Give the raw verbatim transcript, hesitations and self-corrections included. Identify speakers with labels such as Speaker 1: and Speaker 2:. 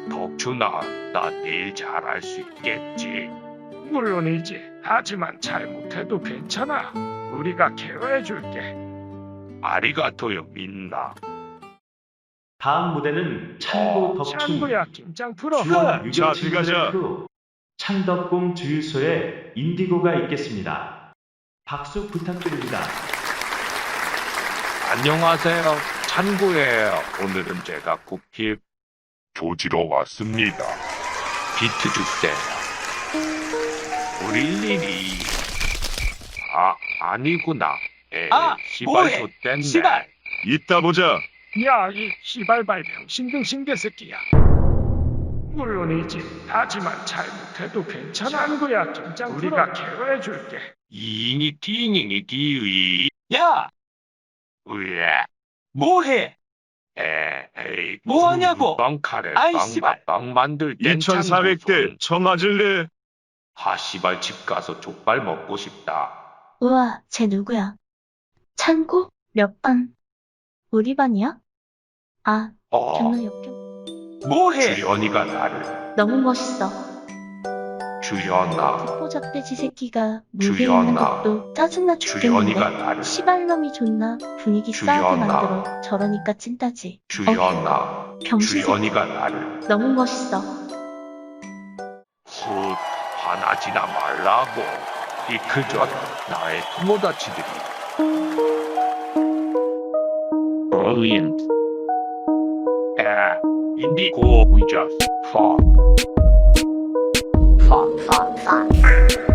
Speaker 1: 덕준아, 나 내일 잘할 수 있겠지?
Speaker 2: 물론이지. 하지만 잘못해도 괜찮아. 우리가 케어해줄게.
Speaker 1: 아리가토요, 민나.
Speaker 3: 다음 무대는 창고
Speaker 1: 어,
Speaker 3: 덕춘,
Speaker 2: 창구야, 긴장 풀어.
Speaker 3: 주연
Speaker 4: 자,
Speaker 3: 유격진
Speaker 4: 들어가자.
Speaker 3: 후 창덕궁 주유소에 인디고가 있겠습니다. 박수 부탁드립니다.
Speaker 1: 안녕하세요, 찬구예요. 오늘은 제가 쿠키 조지러 왔습니다. 비트 주세요. 우리 일일이. 아, 아니구나. 에이,
Speaker 4: 아,
Speaker 1: 시발
Speaker 4: 뭐해?
Speaker 1: 좆됐네.
Speaker 4: 시발.
Speaker 5: 이따 보자.
Speaker 2: 야, 이 시발발 병신등신 개새끼야. 물론이지. 하지만 잘못해도 괜찮아. 창구야, 긴장 풀어. 우리가 케어해줄게.
Speaker 1: 이니 띵이니 기의.
Speaker 4: 야,
Speaker 1: 으에.
Speaker 4: 뭐해?
Speaker 1: 에이,
Speaker 4: 뭐 하냐고?
Speaker 1: 빵 카레
Speaker 4: 아이,
Speaker 1: 빵
Speaker 4: 씨발.
Speaker 1: 빵 만들 땐
Speaker 5: 이천사백 대
Speaker 1: 창구손.
Speaker 5: 처맞을래?
Speaker 1: 하 씨발 집 가서 족발 먹고 싶다.
Speaker 6: 우와, 쟤 누구야? 찬구? 몇 반? 우리 반이야? 아,
Speaker 1: 어,
Speaker 6: 경로 역경.
Speaker 4: 뭐해?
Speaker 1: 주연이가 나를.
Speaker 6: 너무 멋있어.
Speaker 1: 주연아,
Speaker 6: 듣보잡돼지 새끼가 무대 있는
Speaker 1: 주연아.
Speaker 6: 것도 짜증나
Speaker 1: 주연이가
Speaker 6: 죽겠는데.
Speaker 1: 나를.
Speaker 6: 시발놈이 존나 분위기 싸게
Speaker 1: 주연아.
Speaker 6: 만들어. 저러니까 찐따지. 어,
Speaker 1: 주연아,
Speaker 6: 병신 새끼.
Speaker 1: 주연이가 나를.
Speaker 6: 너무 멋있어.
Speaker 1: 훗, 화나지나 말라고. 이 그저 나의 토모다치들이. Brilliant. 에, 인디고, we just fuck.
Speaker 6: fuck, fuck, fuck.